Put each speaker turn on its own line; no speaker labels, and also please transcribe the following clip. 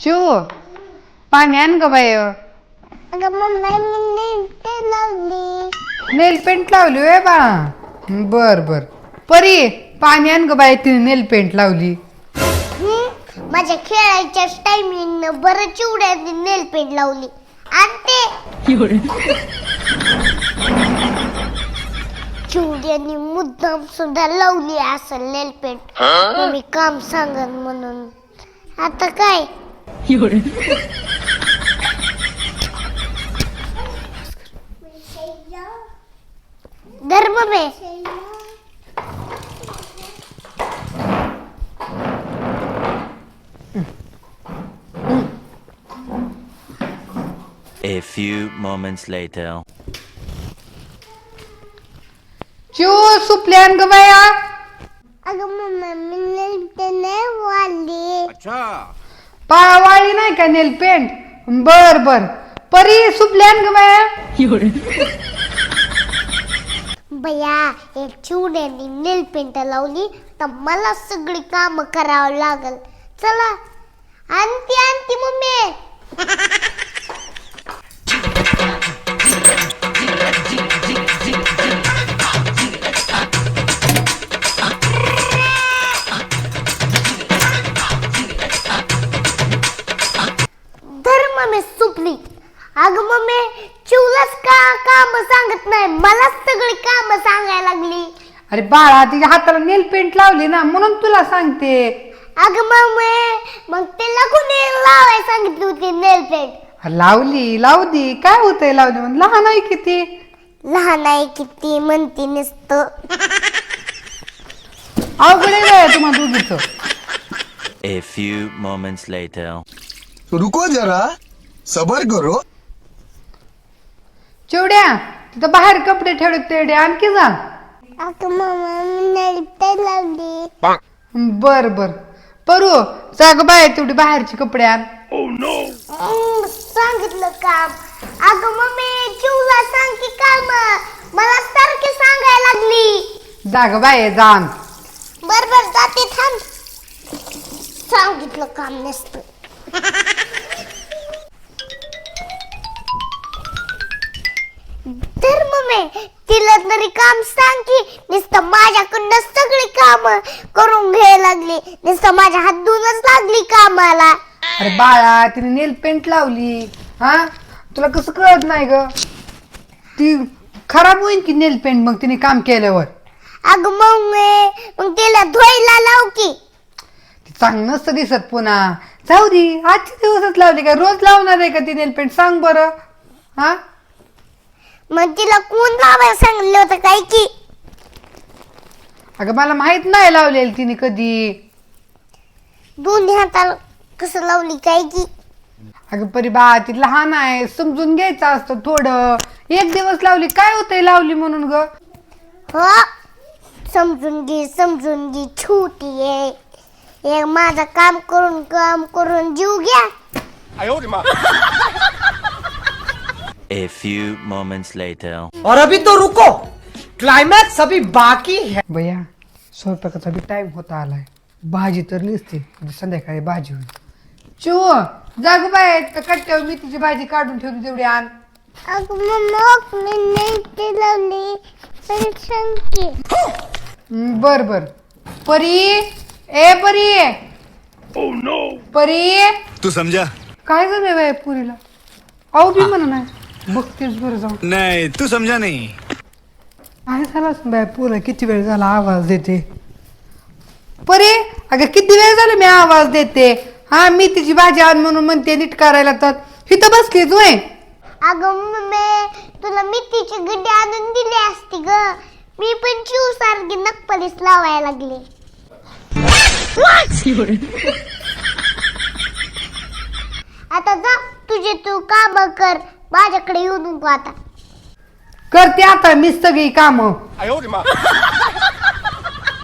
शिव पाणी आण ग बाय.
अगं मम्मा मी नेल लावली.
नेल पेंट लावली होय बाळा. बर बर. परी पाणी आण ग बाय. तिने नेल पेंट लावली.
माझ्या खेळायच्या टायमिंग बरं चिवड्या नेल पेंट लावली. आणि चिवड्यानी मुद्दाम सुद्धा लावली असेल नेल पेंट. मी काम सांगन म्हणून. आता काय धर्म बे.
A few moments later.
Shiv सुपली आण ग बाया.
अगं मम्मा मी नेल पेंट वाढली.
वाळी नाही का नेल पेंट. बर बर. परी सुपली आण ग बाया.
बया एक चिवड्याने नेल पेंट लावली तर मला सगळी काम करावं लागल. चला आणती आणती मम्मी. धर मम्मी सुपली. अगं मम्मी चिवलाच का काम सांगत नाही, मलाच सगळी काम सांगायला लागली.
अरे बाळा तिच्या हाताला नेल पेंट लावली ना म्हणून तुला सांगते.
अगं मम्मी मग तिला कोणी लावायला सांगितली होती नेल पेंट?
लावली लावू दे. काय होतंय लावली म्हणून. लहान आहे किती.
लहान आहे किती म्हणते नसतं.
अवघड आहे तुम्हाला दोघीचं.
A few moments later.
रुको जरा सबर करो.
चिवड्या तिथं बाहेर कपडे ठेवले तेवढे आणखी जा.
अगं मम्मा मी नेल पेंट लावली.
बर बर. परू जाग बाय तेवढी बाहेरची कपडे आण.
सांगितलं काम. अगं मम्मी चिवला सांग की काम मला सारखी सांगायला लागली.
जाग बाय जाण.
बर बर जाते थांब. सांगितलं काम नसतं. तर मम्मी तिला तरी काम सांग की. नुसतं माझ्याकडनं सगळी काम करून घ्यायला लागली. नुसतं माझ्या हात धुवूनच लागली कामाला.
अरे बाळा तिने नेल पेंट लावली. हा तुला कसं कळत नाही ग. ती खराब होईल की नेल पेंट मग तिने काम केल्यावर.
अगं मम्मी मग तिला धुवायला लाव की.
ती चांगलं नसतं दिसत पुन्हा. जाऊ दे आजच्या दिवसच लावली का रोज लावणार आहे का ती नेल पेंट सांग बरं. हा
मग तिला कोण लावायला सांगितलं होतं काय की.
अगं मला माहित नाही लावलेली तिने कधी.
दोन्ही हाताला कसं लावली काय की.
अगं परी बा ती लहान आहे समजून घ्यायचं असतं थोडं. एक दिवस लावली काय होतंय लावली म्हणून ग.
हो समजून घे छोटी आहे. हे माझं काम करून जीव घ्या.
A few moments later.
और अभी तो रुको, क्लाइमैक्स अभी बाकी है.
भैया स्वयंपाकाचा बी टाइम होता आलाय. भाजी तर निसते म्हणजे संध्याकाळी भाजी होईल. चिव जाग बाय कट्ट्यावर मी तिची भाजी काढून ठेवली तेवढी आण.
अगं मम्मा मी नाही ते लावली तरी सांगते.
बर बर. परी ए परी. परी
तू समझा
काय झालंय बाय पुरीला. अहो बी म्हणा नाही बघतेच बरं जाऊन.
नहीं तू समझा नहीं.
काय झालं बाय पुरा किती वेळ झाला आवाज देते. परी अगं किती वेळ झाला मी आवाज देते. हा मी तिची भाजी आण म्हणून म्हणते नीट करायला तर इथं बसली तू.
अगं मम्मी तुला मिठीची गड्डी आणून दिली असती ग. मी पण चिव सारखी नकपलीस लावायला लागली. आता जा तुझे तू काम कर. माझ्याकडे येऊ नको आता.
करते आता मी सगळी कामं.